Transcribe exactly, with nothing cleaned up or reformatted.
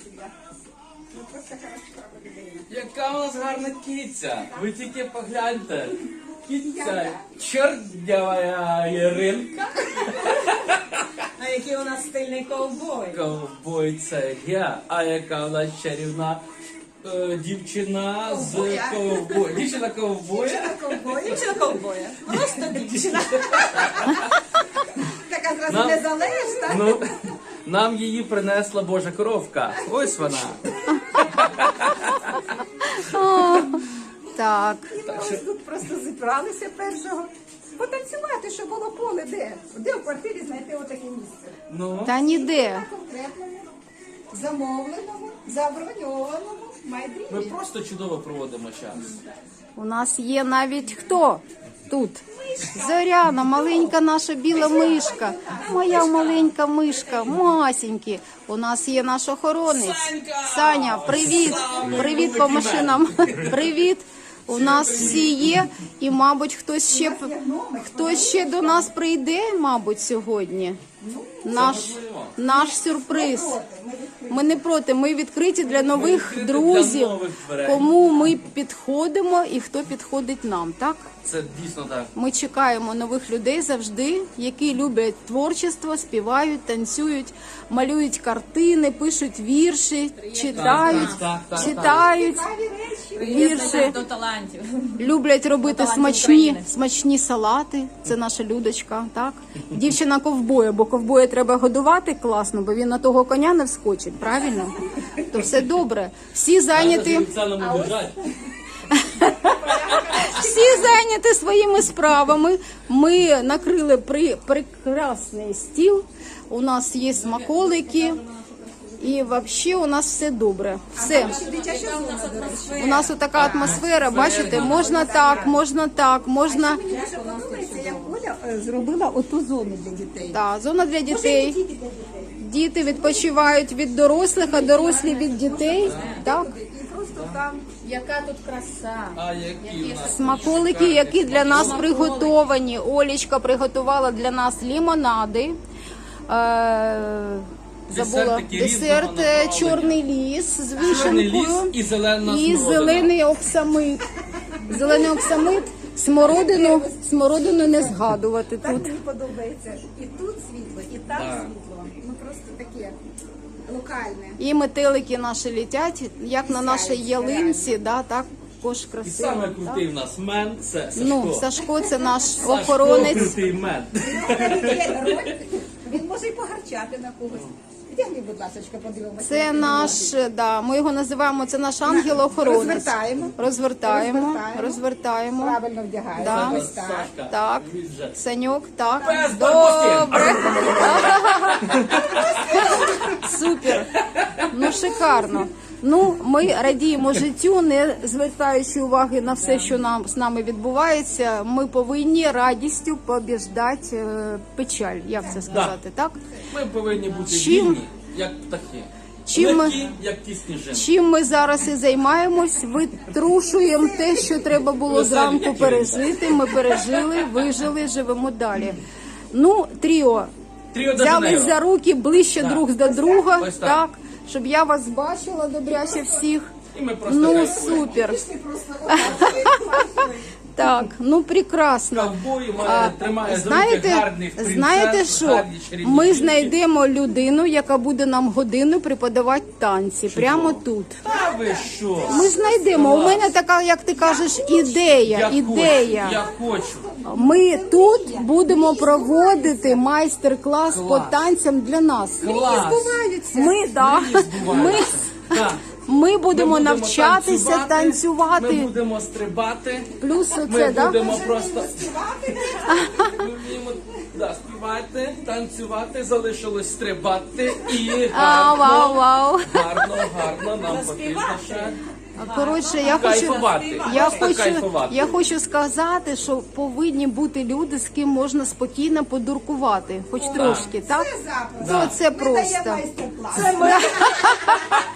тебя. Ну просто хороша людина. Яка у нас гарна киця. Ви тільки погляньте. Киця чорнявая Яринка. А який у нас стильний ковбой. Ковбой це я. А яка у нас чарівна е, дівчина з Ковбоя. ковбоя. Дівчина ковбоя. Дівчина ковбоя. Дівчина ковбоя. Просто дівчина. Така зразу Нам- незалежна. Ну, нам її принесла Божа коровка. Ось вона. Так. І ми ось тут просто зібралися першого. Потанцювати, щоб було поле де? Де в квартирі знайти отаке місце? Ну, Та ніде. На конкретному, замовленому, заброньованому ми майдані. просто чудово проводимо час. У нас є навіть хто тут? Зоряна, маленька наша біла мишка. Моя маленька мишка, масенькі. У нас є наш охоронець. Саня, привіт. Привіт по машинам. Привіт. У нас всі є, і, мабуть, хтось ще, хтось ще до нас прийде, мабуть, сьогодні. Наш, наш сюрприз. Ми не проти, ми відкриті для нових відкриті друзів, для нових дверей. кому ми підходимо і хто підходить нам, так? Це дійсно так. Ми чекаємо нових людей завжди, які люблять творчество, співають, танцюють, малюють картини, пишуть вірші, читають, Так, так, так, так. читають Цікаві речі. вірші, До талантів. люблять робити талантів смачні, України. смачні салати. Це наша Людочка, так? Дівчина ковбоя, бо ковбоя треба годувати класно, бо він на того коня не вскочить, правильно? То все добре. Всі зайняті. Спеціально біжать. Всі зайняті своїми справами. Ми накрили при, прекрасний стіл. У нас є смаколики. І взагалі у нас все добре. Все. Дитяча зона, до речі. У нас така атмосфера, бачите, можна так, можна так, можна. Мені дуже подобається, як Оля е, зробила оту зону для дітей. Так, зона для дітей. Тільки для дітей. Діти відпочивають від дорослих, а дорослі від дітей. Так. І просто там Яка тут краса. А які у нас? Смаколики, які для нас приготовані. Олечка приготувала для нас лімонади. Е, Забула Десертики десерт різного е, направлення. чорний ліс з Чорний ліс вишенкою і зелена і смородина. зелений оксамит. Зелений оксамит, смородину, смородину не згадувати так тут. мені подобається. І тут світло, і там Так. світло. Ну просто таке локальне. І метелики наші літять, як на нашій ялинці, да, також І красиво. саме так? крутий в нас мен – це Сашко. Ну, Сашко це наш Сашко охоронець. крутий мен. Є роль, він може й погарчати на когось. Вдягни, будь ласка, подивимося. Це наш, да, ми його називаємо, це наш ангел-охоронець. Розвертаємо. Розвертаємо, Розвертаємо. розвертаємо. Правильно вдягаємо. Да. Ось так. Сашка, Так, дивись вже. Саньок, так. Без Добре. Супер. Ну, шикарно. Ну, ми радіємо життю, не звертаючи уваги на все, що нам з нами відбувається. Ми повинні радістю побіждати е, печаль, як це сказати, так? Ми повинні бути Чим- вільні, як птахи. Чим ми- Легкі, як ті сніжинки. Чим ми зараз і займаємось, витрушуємо те, що треба було Веселі, зранку як пережити. Ми пережили, вижили, живемо далі. Ну, тріо, Тріо де взялись Жанейро. за руки ближче Так. друг до друга, Ось так. так, щоб я вас бачила добряче всіх. І ми просто Ну, кайфуємо. супер. Пішли просто отак. Так, ну прекрасно. Ковбой А, має, тримає за руки знаєте, гарних принцес, знаєте що? гарні чарівні Ми жінки. знайдемо людину, яка буде нам годину преподавати танці, прямо тут. Та ви що? Ми знайдемо. У мене така, як ти кажеш, ідея. Я ідея. Хочу, я хочу. Ми тут будемо проводити майстер-клас по Клас. танцям для нас. Клас. Ми, да, ми, Збувається. Так. ми будемо Ми навчатися танцювати, танцювати. Ми будемо стрибати. Плюс Ми оце, да? будемо просто ми вміємо да, співати, танцювати, залишилось стрибати і А, гарно, вау, вау. гарно, гарно нам потрібно ще. Коротше, я хочу, Кайфувати. я Просто хочу, кайфувати. я хочу сказати, що повинні бути люди, з ким можна спокійно подуркувати, хоч трошки, так? Це запросто. Ну, це Ми даємо просто. майстер-клас.